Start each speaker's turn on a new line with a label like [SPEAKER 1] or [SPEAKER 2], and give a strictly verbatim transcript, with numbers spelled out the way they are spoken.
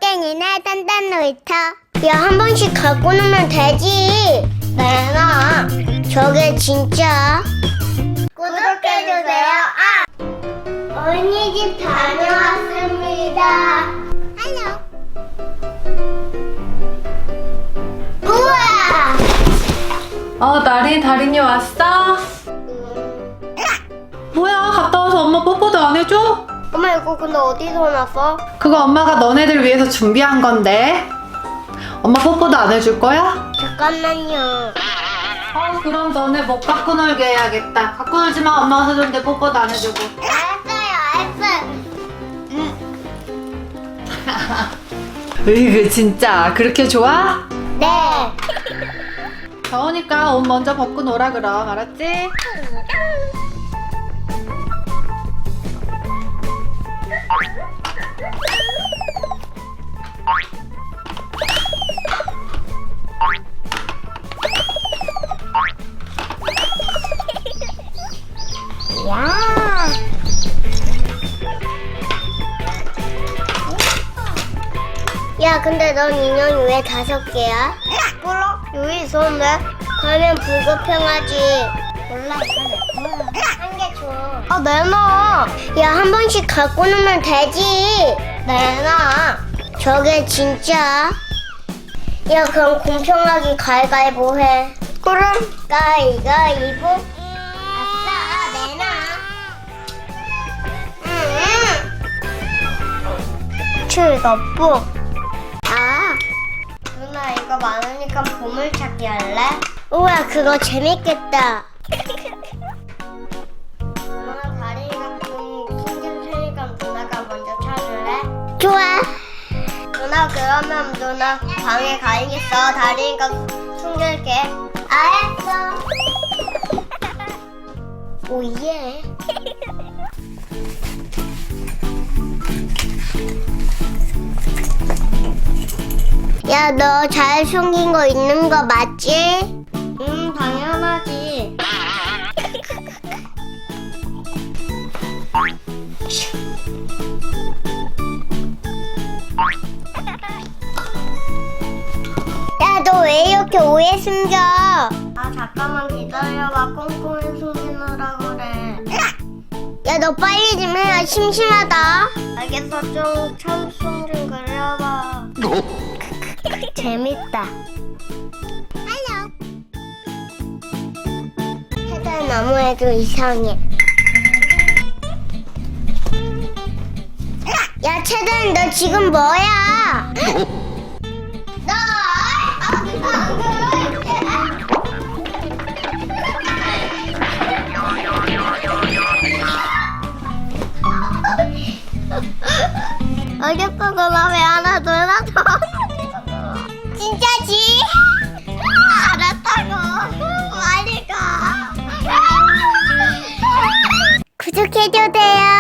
[SPEAKER 1] 땡땡이네 단단 놀이터. 야, 한 번씩 갖고 놀면 되지. 내놔. 저게 진짜. 구독해주세요. 아! 언니 집 다녀왔습니다. 할로. 우와!
[SPEAKER 2] 어, 나린, 다린이 왔어? 뭐야, 갔다 와서 엄마 뽀뽀도 안 해줘?
[SPEAKER 1] 엄마, 이거 근데 어디서 났어?
[SPEAKER 2] 그거 엄마가 너네들 위해서 준비한 건데. 엄마 뽀뽀도 안 해줄 거야?
[SPEAKER 1] 잠깐만요.
[SPEAKER 2] 어, 그럼 너네 못 갖고 놀게 해야겠다. 갖고 놀지 마. 엄마가 사줬는데 뽀뽀도 안 해주고.
[SPEAKER 1] 알았어요, 알았어요.
[SPEAKER 2] 으이그, 진짜. 그렇게 좋아?
[SPEAKER 1] 네.
[SPEAKER 2] 더우니까 옷 먼저 벗고 놀아, 그럼. 알았지?
[SPEAKER 1] 야. 야, 근데 넌 인형이 왜 다섯 개야? 몰라. 여기 있었는데. 그러면 불공평하지. 몰라, 이거 내 거야. 한 개 줘. 아, 내놔. 야, 한 번씩 갖고 놀면 되지. 내놔. 저게 진짜. 야, 그럼 공평하게 가위바위보 해. 그럼 가위바위보. 아싸, 내놔. 응. 즐겁고. 아, 누나 이거 많으니까 보물찾기 할래? 우와, 그거 재밌겠다. 누나 다리가 좀 숨길 테니까 누나가 먼저 찾을래? 좋아. 누나 그러면 누나 방에 가 있어. 다리가 숨길게. 알았어. 오예. 야, 너 잘 숨긴 거 있는 거 맞지? 응, 당연하지. 야, 너 왜 이렇게 오래 숨겨? 아, 잠깐만 기다려봐. 꼼꼼히 숨기느라 그래. 야, 너 빨리 좀 해. 심심하다. 알겠어. 좀 참숨 좀 그려봐. 재밌다. 할로. 해달 너무해도 이상해. 야, 채단, 너 지금 뭐야? 너 어디 알겠어. 그럼 왜 하나 더 하나 더. 진짜지? 알았다고. 빨리 가. 구독해줘도 돼요.